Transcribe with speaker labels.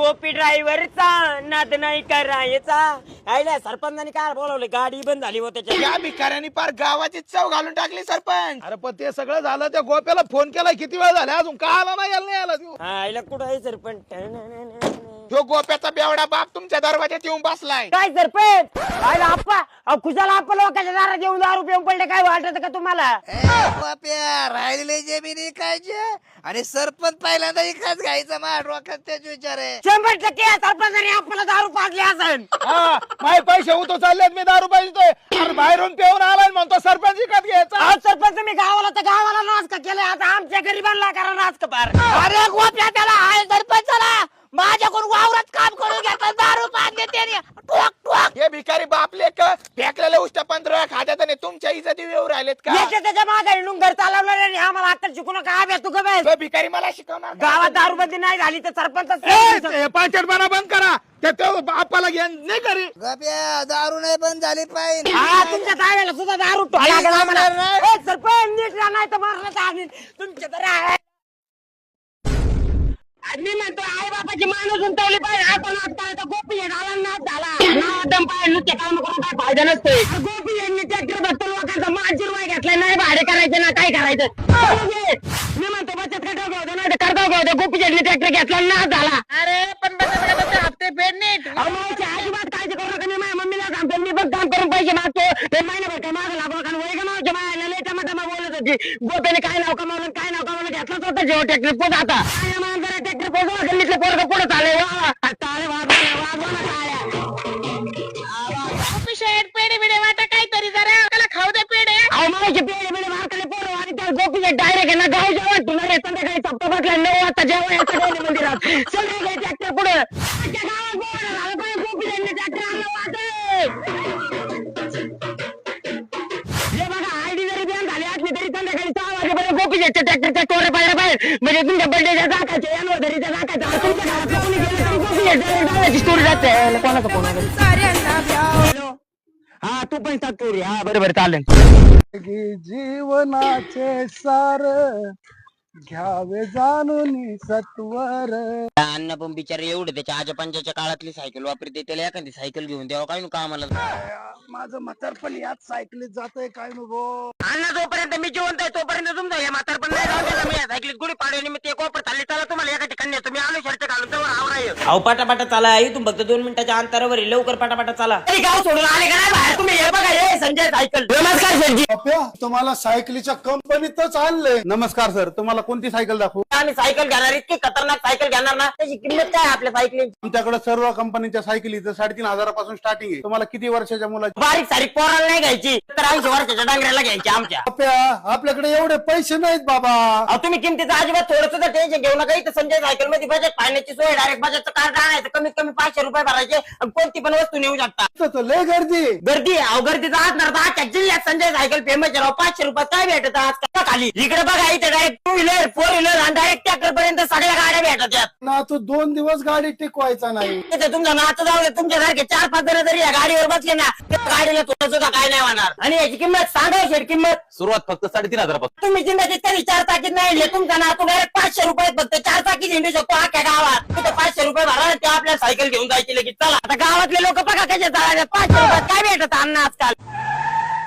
Speaker 1: गोपी ड्रायव्हरचा नाद नाही करायचा. आयला सरपंचानी काय बोलवले, गाडी बंद झाली हो त्याच्या.
Speaker 2: या भिकाऱ्यांनी पार गावाची चव घालून टाकली सरपंच.
Speaker 3: अरे पण ते सगळं झालं, त्या गोप्याला फोन केला किती वेळ झाला अजून का आला नाही, यायला नाही आला तू.
Speaker 1: आयला कुठं आहे सरपंच?
Speaker 2: तो गोप्याचा बेवडा बाप तुमच्या दरवाज्यात येऊन बसलाय.
Speaker 1: काय सरपंच? आयला आप्पा, खुशाला आप्पा लोकांच्या दारात येऊन दारू पिऊन पडले, काय वाटत का तुम्हाला?
Speaker 4: राहिलेले जमिनी खायचे आणि सरपंच पहिल्यांदा इकाच घ्यायचा माझ्या डोक्यात तेच विचार आहे.
Speaker 1: 100% सरपंचाने आपल्याला दारू पाजली असेल.
Speaker 3: हा माझे पैसे होतो चाललेत, मी दारू पाहिजे. अरे बाहेरून पिऊन आलाय म्हणतो सरपंच विकत घ्यायचा.
Speaker 1: अहो सरपंच, तुम्ही गावाला तर गावाला नाच का केलं, आता आमच्या गरिबांना करा नाच का पार. अरे गोप्या त्याला आहे सरपंचाला माझ्याकडून वावरात काम करून घेतलं, दारू पाजले त्याने. ठोक ठोक
Speaker 2: हे भिकारी बापले फेकलेले उष्ट 15 खात्यात आणि तुमच्या इज्जती येऊ राहिलेत का?
Speaker 1: याच्या त्याच्या मागे घर चालवलं आणि आम्हाला आता शिकू नका. आव्या तू गं
Speaker 2: तो भिकारी मला शिकवणार का?
Speaker 1: गावात दारूबंदी नाही झाली तर सरपंच
Speaker 3: पाचटपणा बंद करा. त्या बापाला घ्या नाही करी.
Speaker 4: गप्या दारू नाही बंद झाली पाहिजे.
Speaker 1: हा तुमच्या ताब्याला सुद्धा दारू लागेल आम्हाला. ए, सरपंच नीट राहा, नाही तर मारण्यात आणीन तुमच्या तर आहे. मी म्हणतो आई बापाची माणूस उंटवली पाहिजे. आपण आता गोपी झाला नाच झाला नादम पाहिजे, नुसते काम करून काय फायदा नसतोय. गोपी यांनी ट्रॅक्टर बघतो लोकांचा 5 रुपये घेतलाय, नाही भाडे करायचे ना काय करायचं. मी म्हणतो बचत गटावर घेऊ दे, नाही तर करता घेऊ दे. गोपी यांनी ट्रॅक्टर घेतला नाच झाला.
Speaker 4: अरे पण बचत गटाचे हप्ते फेड नीट.
Speaker 1: अजिबात काळजी करू नका. मी माझ्या मम्मीला सांगतो, मी बघ काम करून पैसे मागतो. ते महिनाभर काय मागं लागू नका. वय गमावच्या मायाला लय टमाटमा बोलत होती. गोप्याने काय नाव कमावलं काय नाव कमावलं घेतलाच होता जेव्हा ट्रॅक्टर पोच. आता ट्रॅक्टर पोचवा, गल्लीतले पोरं पुढे चाले चाले वाजवा टाळ्या.
Speaker 4: पेढे बिडे वाटा काहीतरी जरा त्याला खाऊ दे पेढे.
Speaker 1: माहिती पेढे बिडे मारकाले पोरं आणि त्या गोपीचे डायरेक्ट ना गाव जेवण तुला संध्याकाळी सप्ता बसला 9 वाजता जेवण याचं डेली मंदिरात. संध्याकाळी ट्रॅक्टर पुढे गावात बोलणं झालं पाहिजे. गोपी ट्रॅक्टर आणलं हे बघा, आयडी जरी बॅन झाली असली तरी संध्याकाळी 6 वाजेपर्यंत गोपीचे ट्रॅक्टरच्या टोरे पाहिजे पाहिजे. म्हणजे तुमच्या बर्थडेच्या जाकायचे अॅनिव्हर्सरीच्या जाकायचं तुमच्या घरात कोणी गेलं तरी गोपीचे स्टोरी जाते. कोणाचा फोन हॅलो, हा तू पण टाकतो. हा बरोबर चालेल.
Speaker 3: जीवनाचे सार घ्यावे जाणून सत्वर.
Speaker 1: अन्न पण बिचारे एवढे त्याच्या आजोबांच्या काळातली सायकल वापरते, त्याला एखादी सायकल घेऊन द्यावं काय नको आम्हाला.
Speaker 3: माझं म्हातारपण याच सायकलीत जातंय काय नको.
Speaker 1: अन्न जोपर्यंत मी जिवंत आहे तोपर्यंत तुमचं हे म्हातारपण नाही जाऊ द्यायचं. मी या सायकलीत गुढी पाडून मी ते कोपर चालले, चला तुम्हाला एका ठिकाणी नेतो. मी आलो शर्ट घालून तर अहो पाटापाटा चाला. इथून फक्त 2 मिनिटाच्या अंतरावर आहे, लवकर पाटापाटा चाला. गाव सोडून आले का नाही बाहेर तुम्ही? हे बघा हे संजय सायकल. नमस्कार संजय.
Speaker 3: तुम्हाला सायकलीच्या कंपनीतच आणलंय. नमस्कार सर, तुम्हाला कोणती सायकल दाखवू?
Speaker 1: आम्ही सायकल घेणार, इतकी खतरनाक सायकल घेणार ना, त्याची किंमत काय आपल्या सायकलीची?
Speaker 3: आमच्याकडे सर्व कंपनीच्या सायकलीचं 3,500 पासून स्टार्टिंग आहे. तुम्हाला किती वर्षाच्या मुलाची?
Speaker 1: बारीक सारीक पोराला नाही घ्यायची, तर 80 वर्षाच्या डांगऱ्याला घ्यायची आमच्या.
Speaker 3: आपल्याकडे एवढे पैसे नाहीत बाबा.
Speaker 1: अहो तुम्ही किमतीचं अजिबात थोडंसं टेन्शन घेऊ नका. इथं संजय सायकल मध्ये बजेट फायनान्सची सोय, डायरेक्ट बजेटचं कार्ड आणायचं, कमीत कमी 500 रुपये भरायचे आणि कोणती पण वस्तू नेऊ शकता.
Speaker 3: लय गर्दी
Speaker 1: गर्दी अहो गर्दीचा असणार तर आजच्या जिल्ह्यात संजय सायकल फेमस आहे. 500 रुपयात काय भेटत आज खाली? इकडे बघा, इथे डायरेक्ट 2 व्हीलर 4 व्हीलर आणि डायरेक्ट ट्रॅक्टर पर्यंत सगळ्या गाड्या भेटतात.
Speaker 3: ना तू 2 दिवस गाडी टिकवायचा नाही.
Speaker 1: इथे तुमचा नातं जाऊ दे, तुमच्यासारखे 4-5 जण जरी या गाडीवर बसले ना, त्या गाडीला थोडं सुद्धा काय नाही होणार. आणि याची किंमत सांगा शेट, किंमत
Speaker 5: सुरुवात फक्त 3,500 पासून.
Speaker 1: तुम्ही जिंदाची तरी 4 चाकीत नाही, तुमचा नातू डायरेक्ट 500 रुपयात फक्त 4 चाकी झेंडू शकतो अख्ख्या गावात. तिथे 500 रुपये भरा, ते आपल्या सायकल घेऊन जायची लगेच. चला आता गावातले लोक बघा कसे चालले. 500 रुपयात काय भेटत अन्न आजकाल.